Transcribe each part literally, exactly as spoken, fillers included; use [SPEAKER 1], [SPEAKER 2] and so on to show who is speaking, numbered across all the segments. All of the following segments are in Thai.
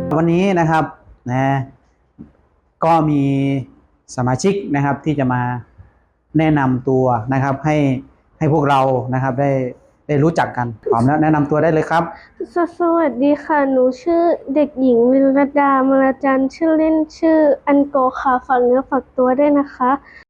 [SPEAKER 1] วันนี้นะครับนะก็มีสมาชิกนะครับที่จะมาแนะนำตัวนะครับให้ให้พวกเรานะครับได้ได้รู้จักกันพร้อมแล้วแนะนำตัวได้เลยครับ
[SPEAKER 2] สสวัสดีค่ะหนูชื่อเด็กหญิงวิรดามรจันทร์ชื่อเล่นชื่ออันโกค่ะฝากเนื้อฝากตัวด้วยนะคะ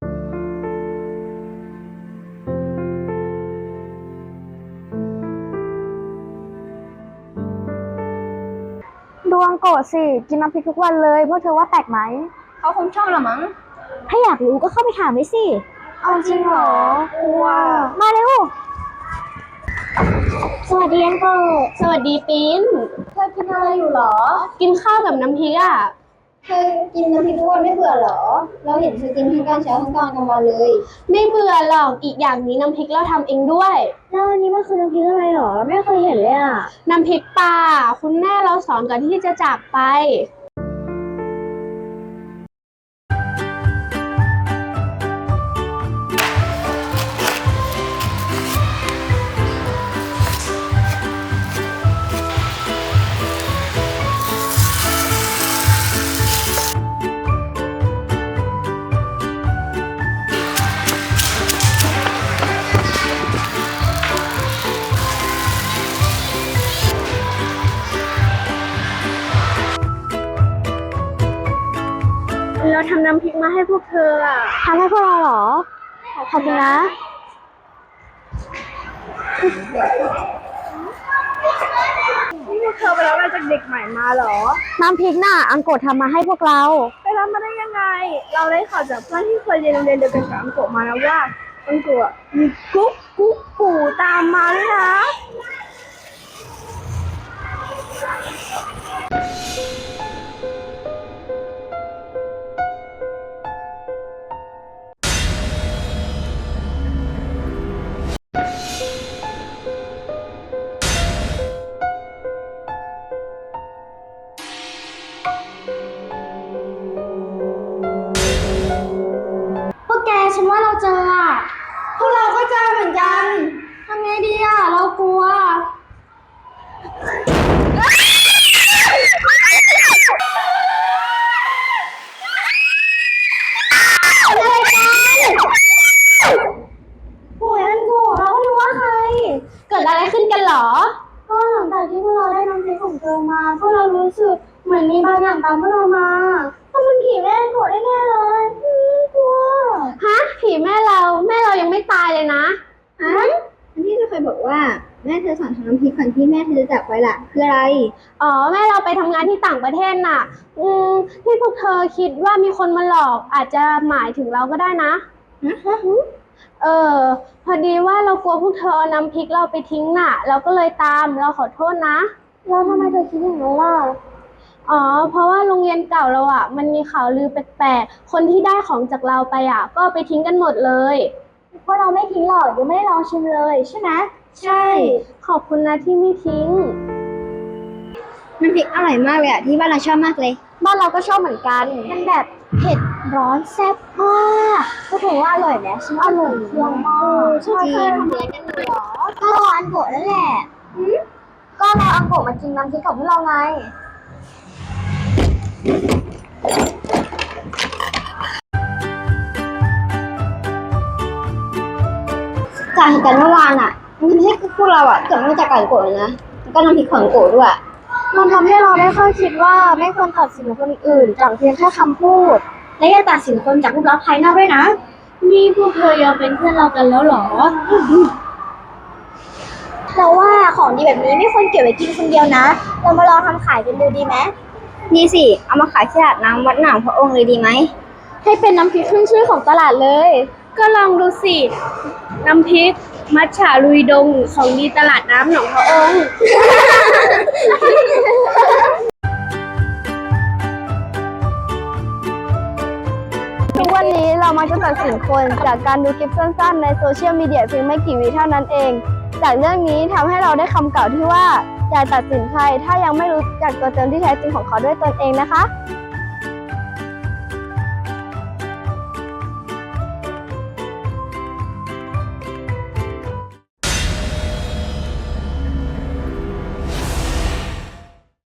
[SPEAKER 3] ดวงโกรธสิกินน้ำพริกทุกวันเลยพวกเธอว่าแปลกไหม
[SPEAKER 4] เขาคงชอบละมั้ง
[SPEAKER 3] ถ้าอยากรู้ก็เข้าไปถามไว้สิ
[SPEAKER 4] เอาจริงเหรอกลัว
[SPEAKER 3] มาเร็วสวัสดีอันโกรธ
[SPEAKER 2] สวัสดีปิ้น
[SPEAKER 4] เธอกินอะไรอยู่หรอ
[SPEAKER 2] กินข้าวกับน้ำพริกอ่ะ
[SPEAKER 4] เธอกินน้ำพริกทุกวันไม่เบื่อหรอเราเห็นเธอกินทั้งกลางเช้าทั้งกลางกลางวันเลย
[SPEAKER 2] ไม่เบื่อหรอกอีกอย่างนี้น้ำพริกเราทำเองด้วย
[SPEAKER 3] แล้วอันนี้มันคือน้ำพริกอะไรหรอไม่เคยเห็นเลยอ่ะ
[SPEAKER 2] น้ำพริกปลาคุณแม่เราสอนก่อนที่จะจากไปเราทำน้ำพริกมาให้พวกเธออ่ะ
[SPEAKER 3] ทำให้พวกเราเหรอขอบคุณนะ
[SPEAKER 2] นี่พวกเธอไปรับอะไรจากเด็กใหม่มาเหรอ
[SPEAKER 3] น้ำพริกน่ะอังโกรธทำมาให้พวกเรา
[SPEAKER 2] ไปรับมาได้ยังไงเราได้ข่าวจากเพื่อนที่เคยเรียนโรงเรียนเดียวกันกับอังโกะมานะว่าอังโกะมีกุ๊กกุ๊กกูตามมาด้วยนะ
[SPEAKER 3] พวกแกฉันว่าเราเจออ่ะ
[SPEAKER 4] พวกเราก็เจอเหมือนกัน
[SPEAKER 3] ทำไงดีอ่ะเรากลัวโอ้ยอันโกรธเราไม่รู้ว่าใคร
[SPEAKER 2] เกิดอะไรขึ้นกันหรอ
[SPEAKER 3] ก็หลังจากที่พวกเราได้น้ำพริกของเธอมาพวกเรารู้สึกเหมือนมีบางอย่างตามพวกเรามาถ้ามันผีแม่โกรธแน่ๆเลยกลัว
[SPEAKER 2] ฮะผีแม่เราแม่เรายังไม่ตายเลยนะ
[SPEAKER 4] ฮะอันที่เธอเคยบอกว่าแม่เธอสอนทำน้ำพริกก่อนที่แม่เธอจะจากไปล่ะคืออะไร
[SPEAKER 2] อ๋อแม่เราไปทำงานที่ต่างประเทศน่ะอืมที่พวกเธอคิดว่ามีคนมาหลอกอาจจะหมายถึงเราก็ได้นะ
[SPEAKER 4] ฮะ
[SPEAKER 2] เออพอดีว่าเรากลัวพวกเธอเอาน้ำพริกเราไปทิ้งน่ะเราก็เลยตามเราขอโทษนะ
[SPEAKER 3] แล้วทำไมเธอคิดอย่างนั้นล่ะ
[SPEAKER 2] อ๋อเพราะว่าโรงเรียนเก่าเราอ่ะมันมีข่าวลือแปลกๆคนที่ได้ของจากเราไปอ่ะก็ไปทิ้งกันหมดเลย
[SPEAKER 3] เพราะเราไม่ทิ้งหรอกยังไม่ได้ลองชิมเลยใช่ไหม
[SPEAKER 2] ใช่ขอบคุณนะที่ไม่ทิ้ง
[SPEAKER 4] น้ำพริกอร่อยมากเลยอ่ะที่บ้านเราชอบมากเลย
[SPEAKER 3] บ้านเราก็ชอบเหมือนกันมันแบบเผ็ดร้อนแซ่บมากก็ถือว่าอร่อยไหมฉันอร่อยเยี่ยมมาก
[SPEAKER 4] จริงทำอะไรกันเหรอ
[SPEAKER 3] ก็รออันโกะนั่นแหละก็รออันโกะมากินน้ำพริกกับพวกเราไง
[SPEAKER 4] จากเหตุการณ์เมื่อวานอ่ะมันทำให้พวกเราอ่ะเกิดมาจากการโกรธเลยนะแล้วก็น้ำพริกของโกรธด้วย
[SPEAKER 3] มันทำให้เราได้ค่อยคิดว่าไม่ควรตัดสินคนอื่นจากเพียงแค่คำพูด
[SPEAKER 4] และอย่าตัดสินคนจากรูปลักษณ์ภายนอกด้วยนะ
[SPEAKER 2] นี่พวกเธอยอมเป็นเพื่อนเรากันแล้วหรอ
[SPEAKER 3] เราว่าของดีแบบนี้ไม่ควรเก็บไว้กินคนเดียวนะเรามาลองทำขายกันดูดีไหม
[SPEAKER 4] ดีสิเอามาขายที่ตลาดน้ำวัดหนองพระองค์เลยดีไหม
[SPEAKER 3] ให้เป็นน้ำพริกขึ้นชื่อของตลาดเลย
[SPEAKER 2] ก็ลองดูสิน้ำพริกมัทฉะลุยดงของดีตลาดน้ำหนองพระองค์
[SPEAKER 3] ทุกวันนี้เรามักจะตัดสินคนจากการดูคลิปสั้นๆในโซเชียลมีเดียเพียงไม่กี่วิเท่านั้นเองจากเรื่องนี้ทำให้เราได้คำกล่าวที่ว่าอย่าตัดสินใครถ้ายังไม่รู้จักตัวตนที่แท้จริงของเขาด้วยตนเองนะคะ